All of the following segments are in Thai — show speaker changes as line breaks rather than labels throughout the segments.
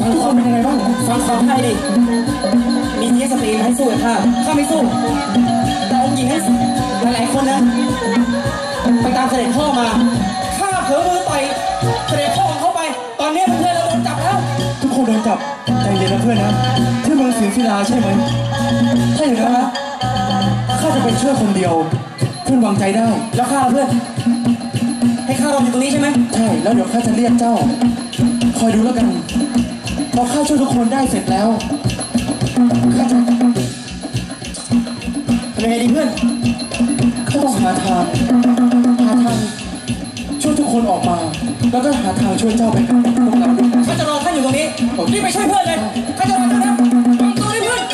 ทุกคนเป็นยังไงบ้างฟังความไทยดิมีเทียสตรีให้สู้กับข้าไม่สู้แต่องค์หญิงให้หลายๆคนนะไปตามเสด็จพ่อมาข้าเผลอมือต่อยเสด็จพ่อของเขาไปตอนนี้เพื่อนเราโดนจับแล้วทุกคนโดนจับใจเย็นนะเพื่อนนะที่เมืองศรีศิลาใช่ไหมใช่หรือนะข้าจะไปช่วยคนเดียวเพื่อนวางใจได้แล้วข้าเพื่อนให้ข้ารออยู่ตรงนี้ใช่ไหมใช่แล้วเดี๋ยวข้าจะเรียกเจ้าคอยดูแล้วกันพอข้าช่วยทุกคนได้เสร็จแล้วข้าจะทำยังไงดีเพื่อนข้าต้องหาทางช่วยทุกคนออกมาแล้วก็หาทางช่วยเจ้าไปพวกเราข้าจะรอท่านอยู่ตรงนี้รีบไปช่วยเพื่อนเลยข้าจะรอท่านนะตัวนี้เพื่อน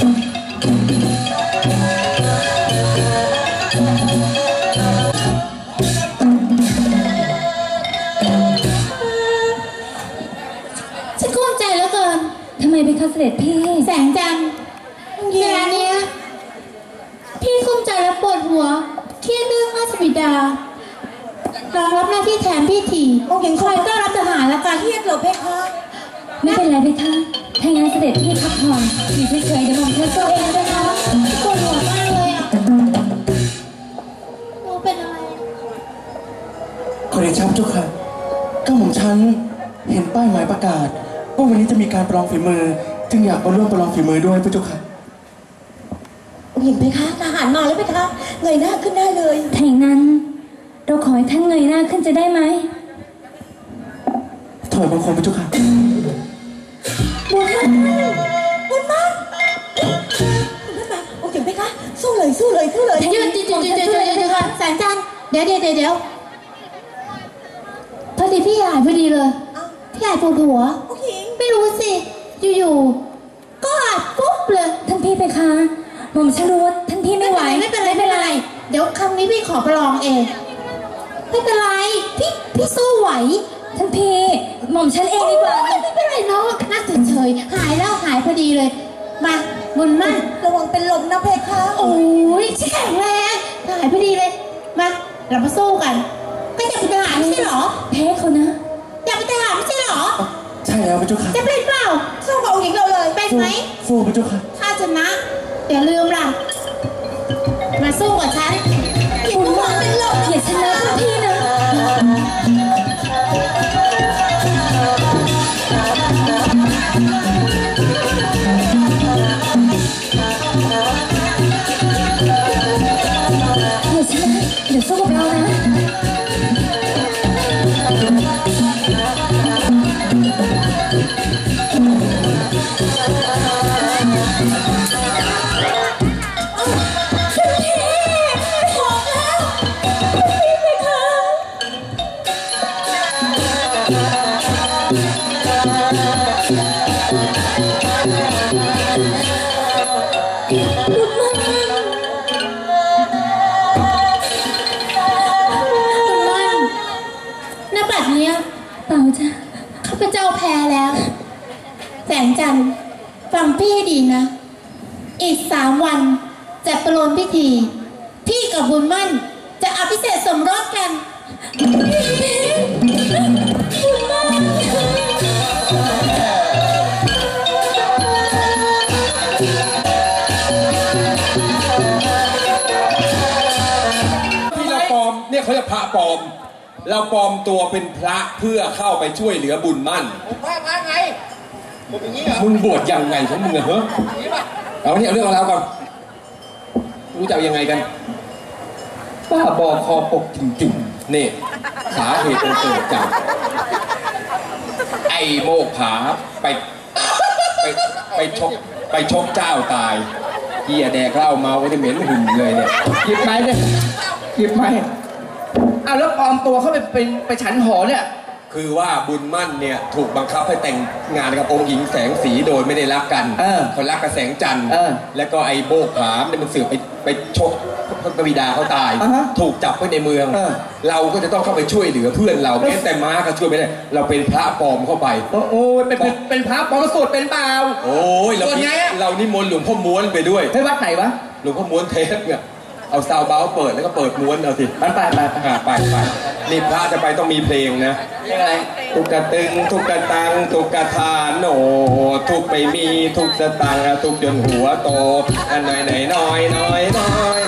ฉันกุ้มใจแล้วเกินทำไมเป็นข้าเสด็จพี่แสงจันทร์งานนี้พี่กุ้มใจและปวดหัวเครียดเรื่องราชบิดารองรับหน้าที่แทนพี่ทีองค์หญิงคอยต้อนรับทหารและการเครียดเหรอเพคะไม่เป็นไรเพคะถ้างั้นเสด็จพี่พักผ่อนอยู่เฉยๆเดี๋ยวผมเช็ดตัวเองนะคะปวดหัวมากเลยอ่ะโอ้เป็นอะไร
ขอเดชะเจ้าค่ะก้าหม่อมฉันเห็นป้ายหมายประกาศว่าวันนี้จะมีการประลองฝีมือจึงอยากมาร่วมประลองฝีมือด้วยพระเจ้าค่ะ
เห็นไหมคะทหารมาแล้วไหมคะเงยหน้าขึ้นได้เลยถ้าอย่างนั้นเราขอให้ท่านเงยหน้าขึ้นจะได้ไหม
ถอยบังคมพระเจ้าค่ะ
บุญมันโอ้เห็นไหมคะสู้เลยหยุดค่ะแสงจันทร์เดี๋ยวพอดีพี่หายพอดีเลยพี่หายปวดหัวไม่รู้สิอยู่ๆก็อาจปุ๊บเลยท่านพี่ไปคะผมฉันรู้ว่าท่านพี่ไม่ไหวไม่เป็นไรเดี๋ยวครั้งนี้พี่ขอประลองเองไม่เป็นไรพี่สู้ไหวท่านพี่หม่อมฉันเองดีกว่าไม่เป็นไรน้องน่าเฉยหายแล้วหายพอดีเลยมาบุญมั่นระวังเป็นลมนะเพคะโอ้ยชิแข็งแรงหายพอดีเลยมาเรามาสู้กันก็อยากเป็นทหารไม่ใช่หรอเพคะเขานะอยากเป็นทหารไม่ใช่หรอ
ใช่แล้วพระเจ้าค่ะ
จะเป็นเปล่าสู้กับองค์หญิงเราเลยเป็นไหม
สู้พระเจ้าค่ะ
ถ้าชนะอย่าลืมล่ะมาสู้กับฉันอย่าระวังเป็นลมอย่าชนะพี่นะเดี๋ยวสู้กับเรานะข้าพเจ้าแพ้แล้วแสงจันทร์ฟังพี่ให้ดีนะอีก3 วันจะประโลมพิธีพี่กับบุญมั่นจะอภิเษกสมรสกันบุญมั่น
ที่เราปลอมเนี่ยเขาจะพระปลอมเราปลอมตัวเป็นพระเพื่อเข้าไปช่วยเหลือบุญมั่น
ผมพระไงผมอย่างนี้เหรอ
มึงบวชยังไงของมึงเหรอเอาเนี่ยเรื่องเราก่อนรู้จักยังไงกันป้าบอคอปกจริงๆนี่สาเหตุมันเกิดจากไอ้โมกผาไปชกเจ้าตายเหี้ยแดกเหล้าเมาไว้ที่เหม็นหุ่นเลยเนี่ยหยิบไม้เนี่ยหยิบไม้
เอาแล้วปลอมตัวเข้าไปฉันหอเนี่ย
คือว่าบุญมั่นเนี่ยถูกบังคับให้แต่งงานกับองค์หญิงแสงสีโดยไม่ได้รักกันคนรักกับแสงจันทร์แล้วก็ไอ้โบกผามเนี่ยมันสืบไปชกพระบิดาเขาตายถูกจับไว้ในเมืองเราก็จะต้องเข้าไปช่วยเหลือเพื่อนเราแม้แต่ม้าก็ช่วยไม่ได้เราเป็นพระปลอมเข้าไป
โอ้ยเป็นพระปลอมสวดเป็นเปล่า
โอ้ยเรานิมนต์หลวงพ่อม้วนไปด้วย
ให้วัดไหนวะ
หลวงพ่อม้วนเทพเนี่ยเอาซาวเบาเปิดแล้วก็เปิดม้วนเอาสิไปนี่พระจะไปต้องมีเพลงนะอะไรตุกกะตึงตุกกะตังตุกกะทานโนทุกไม่มีทุกสตังทุกจนหัวโตอันไหนน้อย